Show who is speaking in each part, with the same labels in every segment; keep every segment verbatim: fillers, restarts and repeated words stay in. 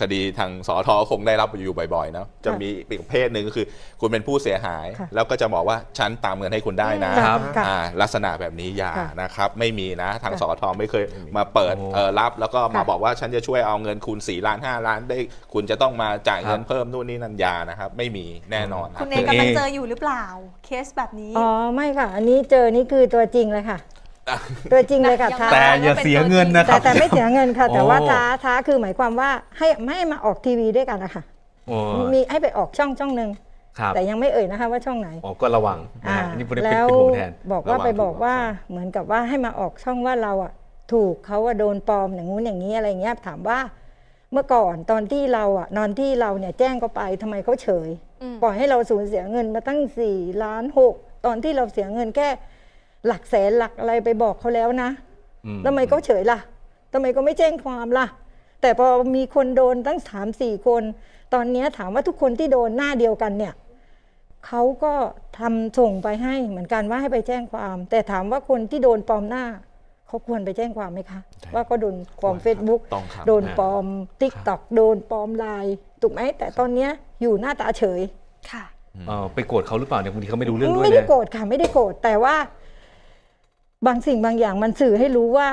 Speaker 1: คดีทางสอทอคงได้รับอยู่บ่อยๆนะจะมีอีกประเภทหนึ่งก็คือคุณเป็นผู้เสียหายแล้วก็จะบอกว่าฉันตามเงินให้คุณได้นะลักษณะแบบนี้อย่านะครับไม่มีนะทางสอทอไม่เคยมาเปิดรับแล้วก็มาบอกว่าฉันจะช่วยเอาเงินคุณสี่ล้านห้าล้านได้คุณจะต้องมาจ่ายเงินเพิ่มนู่นนี่นั่นยานะครับไม่มีแน่นอน
Speaker 2: คุณเองกำลังเจออยู่หรือเปล่าเคสแบบนี้
Speaker 3: อ๋อไม่ค่ะอันนี้เจอนี่คือตัวจริงเลยค่ะตัวจริงเลยค่ะ
Speaker 4: แต่อย่าเสียเงินนะครับ
Speaker 3: แต่ไม่เสียเงินค่ะแต่ว่าท้าท้าคือหมายความว่าให้ไม่ให้มาออกทีวีด้วยกันนะคะมีให้ไปออกช่องช่องหนึ่งแต่ยังไม่เอ่ยนะคะว่าช่องไหน
Speaker 4: อ๋อก็ระวังนี่เป็น
Speaker 3: แล้ว
Speaker 4: เป็นห่วงแทน
Speaker 3: บอกว่าไปบอกว่าเหมือนกับว่าให้มาออกช่องว่าเราอ่ะถูกเขาว่าโดนปลอมอย่างงู้นอย่างนี้อะไรเงี้ยถามว่าเมื่อก่อนตอนที่เราอ่ะนอนที่เราเนี่ยแจ้งเขาไปทำไมเขาเฉยปล่อยให้เราสูญเสียเงินมาตั้งสี่ล้านหกตอนที่เราเสียเงินแค่หลักแสนหลักอะไรไปบอกเขาแล้วนะทำไมเขาเฉยล่ะทำไมก็ไม่แจ้งความล่ะแต่พอมีคนโดนตั้งสามสี่คนตอนนี้ถามว่าทุกคนที่โดนหน้าเดียวกันเนี่ยเขาก็ทำส่งไปให้เหมือนกันว่าให้ไปแจ้งความแต่ถามว่าคนที่โดนปลอมหน้าเขาควรไปแจ้งความไหมคะว่าก็โดนปลอม Facebook โดนปลอม ติ๊กต็อก โดนปลอมไลน์ถูกไหมแต่ตอนนี้อยู่หน้าตาเฉย
Speaker 2: ค่ะ
Speaker 4: ไปโกรธเขาหรือเปล่าเนี่ยบางทีเขาไม่รู้เรื่องด้วย
Speaker 3: ไม่ได้โกรธค่ะไม่ได้โกรธแต่ว่าบางสิ่งบางอย่างมันสื่อให้รู้ว่า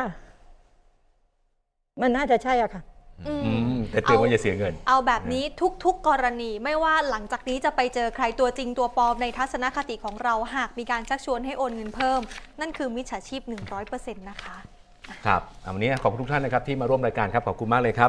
Speaker 3: มันน่าจะใช่อะค่ะ
Speaker 4: แต่เตือนว่าอย่าเสียเงิน
Speaker 2: เอาแบบนี้ทุกๆกรณีไม่ว่าหลังจากนี้จะไปเจอใครตัวจริงตัวปลอมในทัศนคติของเราหากมีการชักชวนให้โอนเงินเพิ่มนั่นคือมิจฉาชีพ หนึ่งร้อยเปอร์เซ็นต์ นะคะ
Speaker 4: ครับวันนี้ขอบคุณทุกท่านนะครับที่มาร่วมรายการครับขอบคุณมากเลยครับ